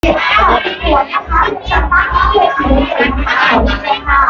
ที่หัวนะคะจะตั้งเวทีนะคะเลยค่ะ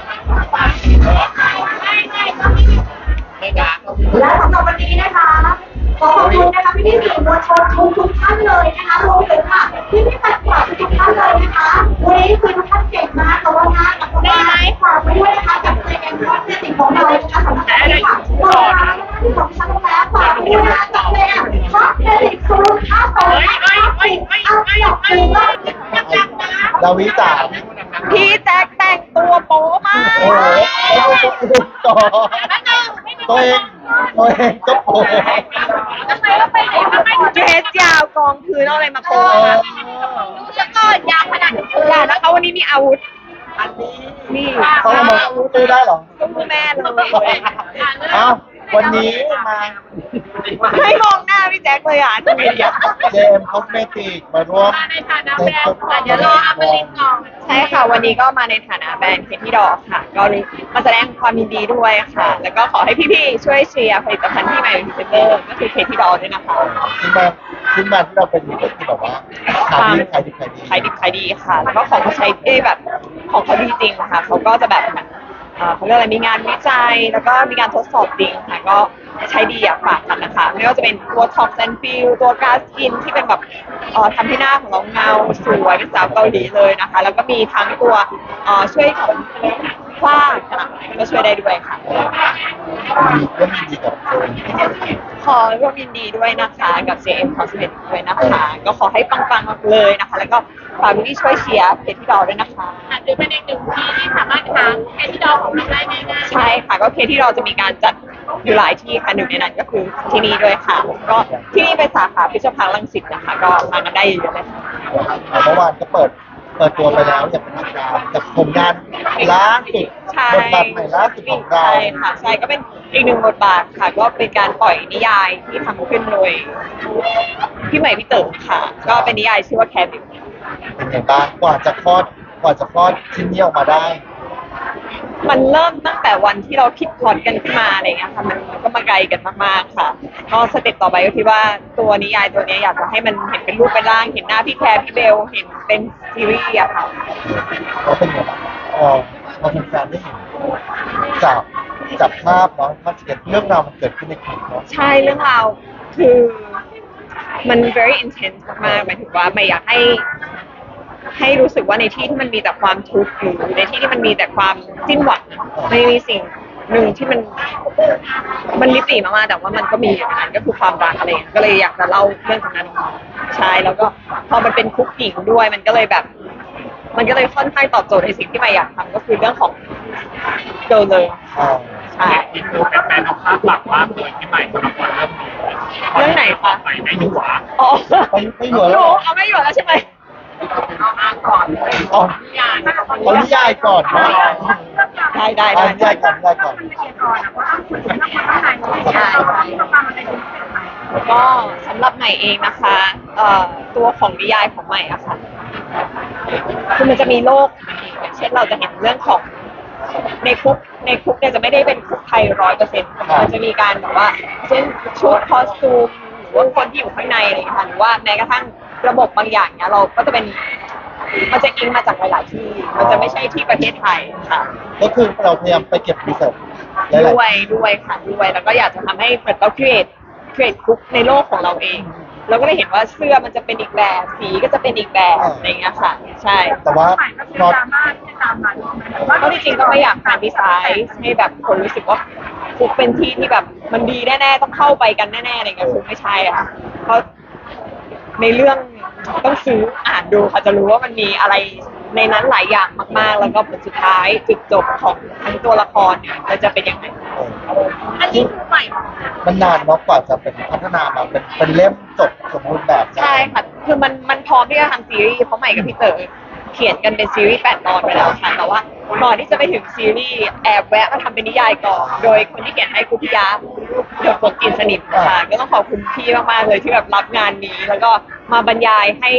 และสำหรับวันนี้นะคะขอขอบคุณนะคะพี่สื่อมวลชนทุกท่านเลยนะคะรวมถึงค่ะพี่แฟนคลับทุกท่านเลยนะคะวันนี้คือทุกท่านเก่งมากแต่ว่าน่ากับว่าฝากไปด้วยนะคะกับเจมส์คอสเมติกของเรานะคะสำหรับวันนี้ค่ะต่อนะคะที่ของชั้นแล้วฝากไปด้วยนะคะกับเจมส์คอสเมติกซูนย์5 2 ดาวิจ๋าพี่แจ็คแต่งตัวโป๊มากโอ้โหต่อตัวเองก็โผล่ทำไมเราไปไหนมาไม่เดรสยาวกองพื้นเอาอะไรมาโป๊คะดูซะก่อนยาวขนาดนี้อย่านะคะวันนี้มีอาวุธอันนี้นี่เขาเอามาซื้อได้เหรอตู้แม่เลยเอ้าวันนี้มาให้มองหน้าพี่แจ็คเลยอ่ะทำไมอ่ะเจมส์คอสเมติกมาร่วมเดี๋ยวรออัปลินก่อนใช่ค่ะวันนี้ก็มาในฐานะแบรนด์เคที่ดอกค่ะ ก็มาแสดงความยินดีด้วยค่ะ แล้วก็ขอให้พี่ๆช่วยเชียร์ผลิตภัณฑ์ที่ใหม่เป็นพรีเซนเตอร์ก็คือเคที่ดอกด้วยนะคะซึ่งมาที่เราเป็นอยู่ก็คือแบบว่าขายดีขายดิบขายดีค่ะ แล้วก็ของเขาใช้ได้แบบของเขาดีจริงค่ะเขาก็จะแบบเขาเรียกอะไรมีงานวิจัยแล้วก็มีการทดสอบจริงค่ะก็ใช้ดีอยากฝากกันนะคะไม่ว่าจะเป็นตัวท็อปแซนฟิลตัวกาสกินที่เป็นแบบทำให้หน้าของเราเงาสวยเป็นสาวเกาหลีเลยนะคะ แล้วก็มีทั้งตัวช่วยของฝ้าค่ะก็ช่วยได้ด้วยค่ะมีก็มีดีกับขอร่วมยินดีด้วยนะคะกับ JM Cosmetics ด้วยนะคะ ก็ขอให้ปังๆเลยนะคะ แล้วก็ฝากพี่ช่วยเชียร์เพจที่ดอด้วยนะคะหรือเป็นอีกหนึ่งที่สามารถหาแค่ที่ดอของเราได้ง่ายๆใช่ค่ะก็เคสที่เราจะมีการจัดอยู่หลายที่ค่ะหนึ่งในนั้นก็คือที่นี่ด้วยค่ะก็ที่นี่เป็นสาขาพิพิธภัณฑ์รังสิตนะคะก็มากันได้เยอะเลยค่ะเมื่อวานก็เปิดตัวไปแล้วอย่างเป็นทางการกับผลงานล่าสุดใช่บทบาทใหม่ล่าสุดของเราใช่ค่ะใช่ก็เป็นอีกหนึ่งบทบาทค่ะ ก็เป็นการปล่อยนิยายที่ทำขึ้นโดยพี่ใหม่พี่เต๋อค่ะ ก็เป็นนิยายชื่อว่าแคบิวเป็นไงบ้างกว่าจะคลอดชิ้นนี้ออกมาได้มันเริ่มตั้งแต่วันที่เราคิดพล็อตกันขึ้นมาอะไรเงี้ยค่ะมันก็มาไกลกันมากๆค่ะก็สเต็ปต่อไปก็คิดว่าตัวนิยายตัวนี้อยากจะให้มันเห็นเป็นรูปเป็นร่างเห็นหน้าพี่แคร์พี่เบลเห็นเป็นซีรีส์อะค่ะแล้วเป็นไงบ้างพอแฟนๆได้เห็นจับภาพเนาะภาพเกิดเรื่องราวมันเกิดขึ้นในคลิปเนาะใช่เรื่องราวคือมัน very intense มากๆหมายถึงว่าไม่อยากให้รู้สึกว่าในที่ที่มันมีแต่ความทุกข์หรือในที่ที่มันมีแต่ความสิ้นหวังไม่มีสิ่งหนึ่งที่มันลิบหรี่มากๆแต่ว่ามันก็มีอย่างนั้นก็คือความรักอะไรอย่างเงี้ยก็เลยอยากจะเล่าเรื่องตรงนั้นออกมาใช่แล้วก็พอมันเป็นคุกหญิงด้วยมันก็เลยค่อนข้างตอบโจทย์ในสิ่งที่ไม่อยากทำก็คือเรื่องของเกิร์ลเลยอ่าใช่ที่คือแฟนๆเอาภาพหลักมากเลยที่ใหม่สำหรับคนเรื่องนี้เรื่องไหนคะใหม่ไม่อยู่หวาอ๋อไม่เหลือแล้วเอาไม่อยู่แล้วใช่ไหมเอาอ่านก่อนเลยอ๋ออย่านะเอานิยายก่อนเนาะได้เอานิยายก่อนก่อนนะเพราะต้องคุยเรื่องคนข้างในใช่ต้องการมันเป็นพิเศษไหมก็สำหรับใหม่เองนะคะตัวของนิยายของใหม่อะค่ะคือมันจะมีโลกอย่างเช่นเราจะเห็นเรื่องของในคุกเนี่ยจะไม่ได้เป็นคุกไทย100%มันจะมีการแบบว่าเช่นชุดคอสตูมหรือว่าคนที่อยู่ข้างในอะไรอย่างเงี้ยค่ะหรือว่าแม้กระทั่งระบบบางอย่างเนี่ยเราก็จะเป็นมันจะอิงมาจากหลายๆที่มันจะไม่ใช่ที่ประเทศไทยค่ะก็คือเราพยายามไปเก็บรีเสิร์ชหลายๆด้วยค่ะด้วยแล้วก็อยากจะทำให้เหมือนเรา create คุกในโลกของเราเองเราก็เลยเห็นว่าเสื้อมันจะเป็นอีกแบบสีก็จะเป็นอีกแบบอะไรอย่างเงี้ยค่ะใช่แต่ว่าใหม่ก็คือดราม่าที่ตามมาแต่ว่าก็จริงๆก็ไม่อยากการดีไซน์ให้แบบคนรู้สึกว่าคุกเป็นที่ที่แบบมันดีแน่ๆต้องเข้าไปกันแน่ๆอะไรเงี้ยคือไม่ใช่อะค่ะเพราะในเรื่องต้องซื้ออ่านดูค่ะจะรู้ว่ามันมีอะไรในนั้นหลายอย่างมากๆ แล้วก็ผลสุดท้ายจุดจบของทั้งตัวละครเนี่ยมันจะเป็นยังไงอันนี้คือใหม่มันนานเนาะกว่าจะเป็นพัฒนามาเป็นเล่มจบสมบูรณ์แบบได้ใช่ค่ะ คือมันพร้อมที่จะทำซีรีส์เพราะใหม่กับพี่เต๋อเขียนกันเป็นซีรีส์8 ตอนไปแล้วค่ะ แต่ว่าก่อนที่จะไปถึงซีรีส์แอบแวะมาทำเป็นนิยายก่อน โดยคนที่เขียนให้กุพิยะเดอะฝนกินสนิทค่ะ ก็ต้องขอบคุณพี่มากๆเลยที่แบบรับงานนี้ แล้วก็มาบรรยายให้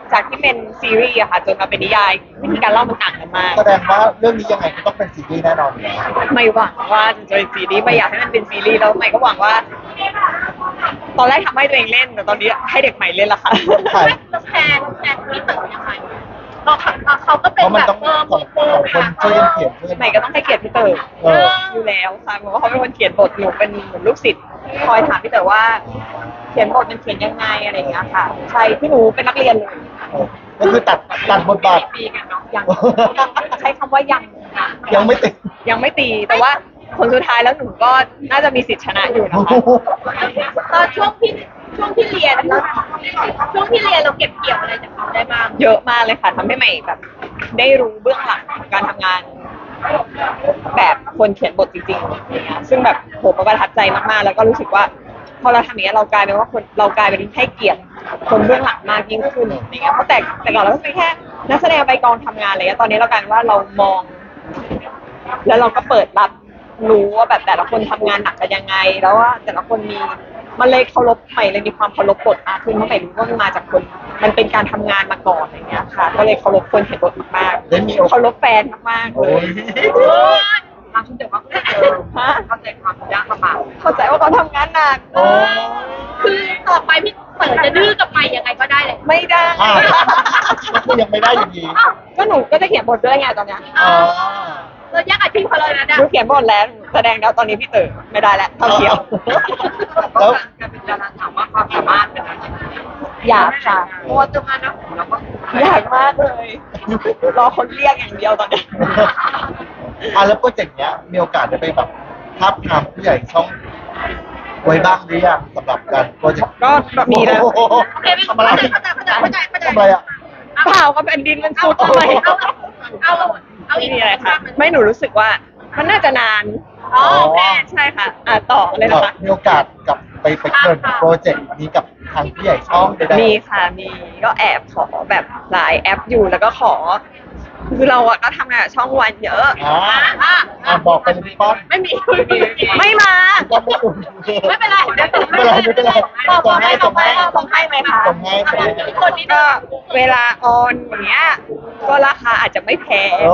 จากที่เป็นซีรีส์อะค่ะจนมาเป็นนิยายวิธีการเล่ามันต่างกันมากแสดงว่าเรื่องนี้ยังไงก็ต้องเป็นซีรีส์แน่นอนอยู่แล้วไม่หวังว่าจะเป็นซีรีส์ไม่อยากให้มันเป็นซีรีส์แล้วใหม่ก็หวังว่า ตอนแรกทำให้ตัวเองเล่นแต่ตอนนี้ให้เด็กใหม่เล่นละค่ะใช่แทนพี่เต๋อยังไงเขาก็เพเป็นราะมันแบบต้องสองคนช่วยกันเขียนช่วยกันใหม่ก็ต้องให้เกียรติพี่เต๋อเอออยู่แล้วค่ะเพราะว่าเขาเป็นคนเขียนบทหนูเป็นเหมือนลูกศิษย์ที่คอยถามพี่เต๋อว่า เขียนบทมันเขียนยังไงอะไรอย่างเงี้ยค่ะใช่ที่หนูเป็นนักเรียนเลยก็คือตัดบทบาทปีกันเนาะยังใช้คำว่ายังยังไม่ติดยังไม่ตีแต่ว่าผลสุดท้ายแล้วหนูก็น่าจะมีสิทธิชนะอยู่นะคะตอนช่วงที่เรียนแล้วช่วงที่เรียนเราเก็บเกี่ยวอะไรจากเขาได้บ้างเยอะมากเลยค่ะทำให้ใหม่แบบ ได้รู้เบื้องหลังการทำงาน แบบคนเขียนบทจริงๆอย่างเงี้ยซึ่งแบบโหประทับใจมากๆ แล้วก็รู้สึกว่าพอเราทำอย่างเงี้ยเรากลายเป็นว่าเรากลายเป็นให้เกียรติคนเบื้องหลังมากยิ่งขึ้นอย่างเงี้ยเพราะแต่ก่อนเราก็เป็นแค่นักแสดงไปกองทำงานอะไรเงี้ยตอนนี้เรากลายเป็นว่าเรามอง แล้วเราก็เปิดรับรู้ว่าแบบแต่ละคนทำงานหนักกันยังไง แล้วว่าแต่ละคนมีมันเลยเคารพใหม่เลยมีความเคารพบทมากขึ้นเพราะใหม่รู้ว่ามันมาจากคนมันเป็นการทำงานมาก่อนอย่างเงี้ยค่ะ ก็เลยเคารพคนเขียนบทมากได้มีโอกาสเคารพแฟนมากๆเลโอ้ยยทำคุณเต๋อว่าฮะเข้าใจความยากลำบากเข้าใจว่าเขาทำงานหนักโอ้คือต่อไปพี่เต๋อจะดื้อกับไปยังไงก็ได้เลยไม่ได้อ้าวก็คือยังไม่ได้อยู่ดีก็หนูก็จะเขียนบทด้วยไงตอนเนี้ยอ๋อเรายากอาชีพเขาเลยนะหนูเขียนบทแล้วหนูแสดงแล้วตอนนี้พี่เต๋อไม่ได้แล้วเท่าเทียมแล้วการเป็นดาราถามว่าความสามารถเป็นอะไรอยากค่ะโอ้จะมานะเราก็อยากมากเลยรอคนเรียกอย่างเดียวตอนเนี้ยแล้วโปรเจกต์เนี้ยมีโอกาสได้ไปแบบทาบทามผู้ใหญ่ช่องไว้บ้างหรือยังสำหรับการโปรเจกต์ก็มีแล้วโอ้โหโอเคไม่ทำอะไรเข้าใจทำอะไรอ่ะเปล่าก็เป็นดินมันซุดทำไมเอาอีไม่กมีอะไรค่ะ ไม่หนูรู้สึกว่ามันน่าจะนานอ๋อโอเคใช่ค่ะต่อเลยนะคะมีโอกาสกับไปเกิดโปรเจกต์นี้กับทางผู้ใหญ่ช่องใดๆมีค่ะมีก็แอบขอแบบหลายแอปอยู่แล้วก็ขอ คือเราอะก็ทำงานกับช่องวันเยอะบอกไปเลยพี่ป้อนไม่มีไม่มาก็ไม่ถูกไม่เป็นไรไม่เป็นไรส่งให้ไหมคะส่งให้คนนี้ก็เวลาออนอย่างเงี้ยก็ราคาอาจจะไม่แพงโอ้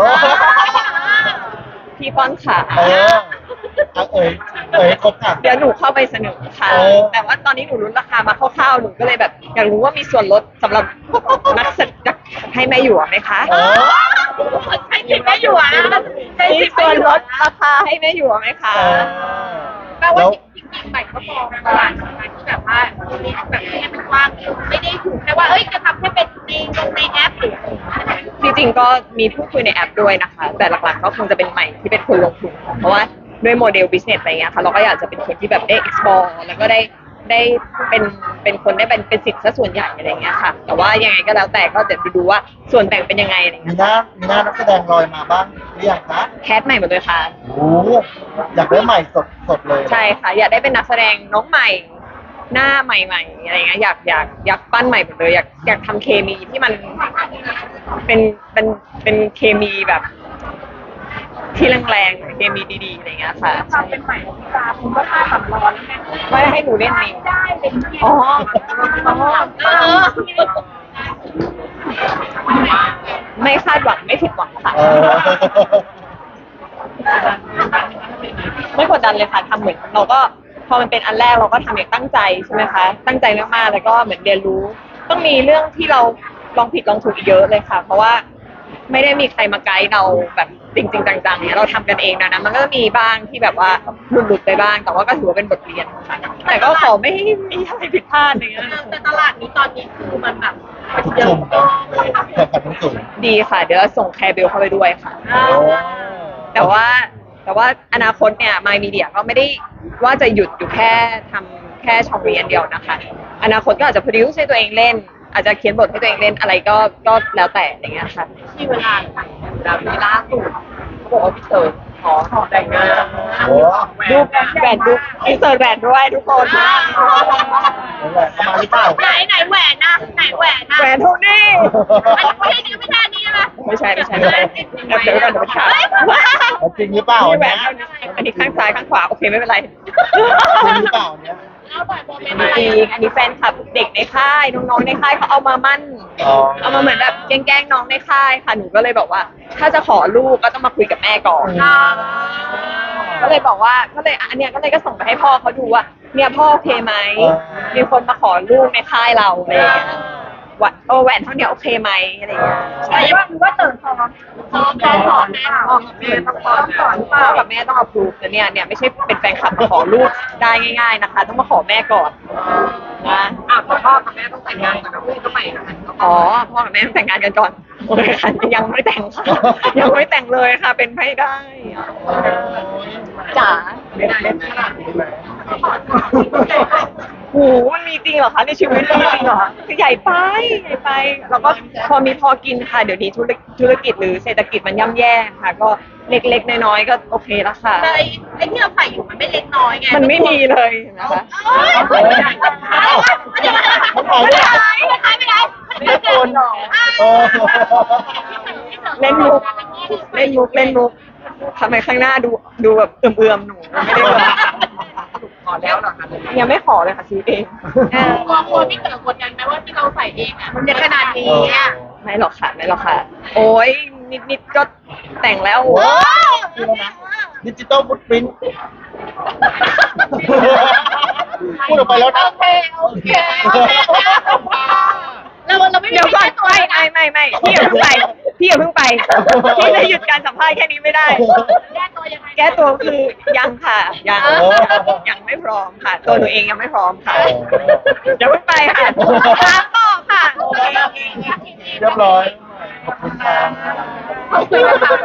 พี่ป้อนขาครบค่ะเดี๋ยวหนูเข้าไปเสนอค่ะ แต่ว่าตอนนี้หนูรู้ราคามาคร่าวๆหนูก็เลยแบบอยากรู้ว่ามีส่วนลดสำหรับนักแสดงให้แม่หยวกไหมคะใช้สิทธิ์ไม่อยู่อ่ะมีส่วนลดราคาให้แม่หยวกไหมคะแปลว่าจริงๆใหม่ก็มองตลาดของการที่แบบว่ามีแบบให้มันกว้างไม่ได้ถูกแค่ว่าจะทำให้เป็นในแอปหรือจริงๆก็มีพูดคุยในแอปด้วยนะคะ แต่หลักๆก็คงจะเป็นใหม่ที่เป็นคนลงทุนค่ะเพราะว่าด้วยโมเดล business อะไรเงี้ยค่ะเราก็อยากจะเป็นคนที่แบบได้ explore แล้วก็ได้เป็นคนได้เป็นสิทธิ์ซะส่วนใหญ่อะไรเงี้ยค่ะ แต่ว่ายังไงก็แล้วแต่ก็เดี๋ยวดูว่าส่วนแบ่งเป็นยังไงอะไรมีเงี้ยหน้านักแสดงลอยมาบ้างหรือยังคะแคสใหม่หมดเลยค่ะโอ้อยากได้ใหม่สดเลยใช่ค่ะ อยากได้เป็นนักแสดงน้องใหม่ หน้าใหม่ๆอะไรเงี้ยอยากปั้นใหม่หมดเลยอยากทำเคมีที่มันเป็นเคมีแบบ ที่แรงๆเคมีดีๆอะไรเงี้ยค่ะความเป็นใหม่ของตาคุณก็ค่าสำรองแล้วแม่ไม่ให้หนูเล่นเองได้เป็นอ๋อ ไม่คาดหวังไม่ผิดหวังค่ะ ไม่กดดันเลยค่ะทำเหมือนเราก็พอมันเป็นอันแรกเราก็ทำอย่างตั้งใจใช่ไหมคะตั้งใจมากๆแล้วก็เหมือนเรียนรู้ ต้องมีเรื่องที่เราลองผิดลองถูกเยอะเลยค่ะ เพราะว่าไม่ได้มีใครมาไกด์เราแบบจริงๆจังๆเนี่ยเราทำกันเองนะมันก็มีบ้างที่แบบว่าหลุดๆไปบ้าง แต่ว่าก็ถือว่าเป็นบทเรียนค่ะแต่ก็ขอไม่ให้มีอะไรผิดพลาดอย่างเงี้ยแต่ตลาดนี้ตอนนี้คือมันแบบจุ่มกันเลยแข่งขันทั้งสูงดีค่ะ เดี๋ยวส่งแคร์เบลเข้าไปด้วยค่ะ แต่ว่าอนาคตเนี่ยมายมีเดียก็ไม่ได้ว่าจะหยุดอยู่แค่ทำแค่ช่องนี้อันเดียวนะคะ อนาคตก็อาจจะโปรดิวซ์ให้ตัวเองเล่น อาจจะเขียนบทให้ตัวเองเล่นอะไรก็แล้วแต่อย่างเงี้ยค่ะที่เวลาแบบนี้ล่าสุดเขาบอกว่าพี่เต๋อขอแต่งงานโอ้ดูแหวนดูอินเสิร์ตแหวนด้วยทุกคนแหวนเข้ามาหรือเปล่าไหนแหวนนะไหนแหวนนะแหวนโทนี่อันนี้ไม่ใช่นี่ไม่ใช่นี่ใช่ไหมไม่ใช่เดี๋ยวก่อนเดี๋ยวไปถามแล้วจริงหรือเปล่ามีแหวเนี่ยนอันนี้ข้างซ้ายข้างขวาโอเคไม่เป็นไรจริงหรือเปล่าเนี่ยล่าหน่อยโมเมนต์จอะไรริงๆอันนี้แฟนคลับเด็กในค่ายน้องๆในค่ายเขาเอามามั่นอ๋อเอามาเหมือนแบบแกล้งๆน้องในค่ายค่ะหนูก็เลยบอกว่า ถ้าจะขอลูกก็ต้องมาคุยกับแม่ก่อน ก็เลยบอกว่าก็เลยอันเนี้ยก็เลยก็ส่งไปให้พ่อเขาดูว่าเนี่ยพ่อโอเคไหมมีคนมาขอลูกในค่ายเราอะไรอย่างเงี้ยว่าแหวนเท่าเนี้ยโอเคไหมอะไรอย่างเงี้ยแต่ว่าเติร์นพร้อมพร้อมแล้วสอนแม่พ่อกับแม่ต้องสอนพ่อกับแม่ต้องเอาพรูฟแต่เนี่ยไม่ใช่เป็นแฟนคลับมาขอลูกได้ง่าย ๆนะคะ ต้องมาขอแม่ก่อนนะพ่อกับแม่ต้องแต่งงานกันนะพี่ก็ใหม่กันอ๋อพ่อกับแม่ต้องแต่งงานกันก่อนโอเคค่ะยังไม่แต่งค่ะยังไม่แต่งเลยค่ะเป็นไม่ได้จ๋าไม่ได้ขนาดนี้ไหมโหมันมีจริงเหรอคะในชีวิตมีจริงเหรอคือใหญ่ไปแล้วก็พอกินค่ะเดี๋ยวนี้ธุรกิจหรือเศรษฐกิจมันย่ำแย่ค่ะ ก็เล็กๆน้อยๆก็โอเคแล้วค่ะแต่ไอ้ที่เราใส่อยู่มันไม่เล็กน้อยไงมันไม่มีเลยนะคะไม่ได้ไม่ได้ไม่โกนโอ้เล่นมุกทำไมข้างหน้าดูแบบเอื่อมๆหนูไม่ได้แบบขอแล้วเหรอคะยังไม่ขอเลยค่ะซื้อเองกลัวพี่เต๋อกดดันไหมว่าที่เราใส่เองอ่ะมันจะขนาดนี้อ่ะไม่หรอกค่ะโอ้ยนิดก็แต่งแล้วว้าวดิจิตอลฟุตปรินท์พูดออกไปแล้วนะโอเคเราไม่มีเดี๋ยวก่อนไม่พี่อย่าเพิ่งไปพี่จะหยุดการสัมภาษณ์แค่นี้ไม่ได้แก้ตัวยังไงแก้ตัวคือยังค่ะยังไม่พร้อมค่ะ ตัวหนูเองยังไม่พร้อมค่ะเดี๋ยวเพิ่งไปค่ะถามต่อค่ะเรียบร้อย ขอบคุณค่ะขอบคุณค่ะ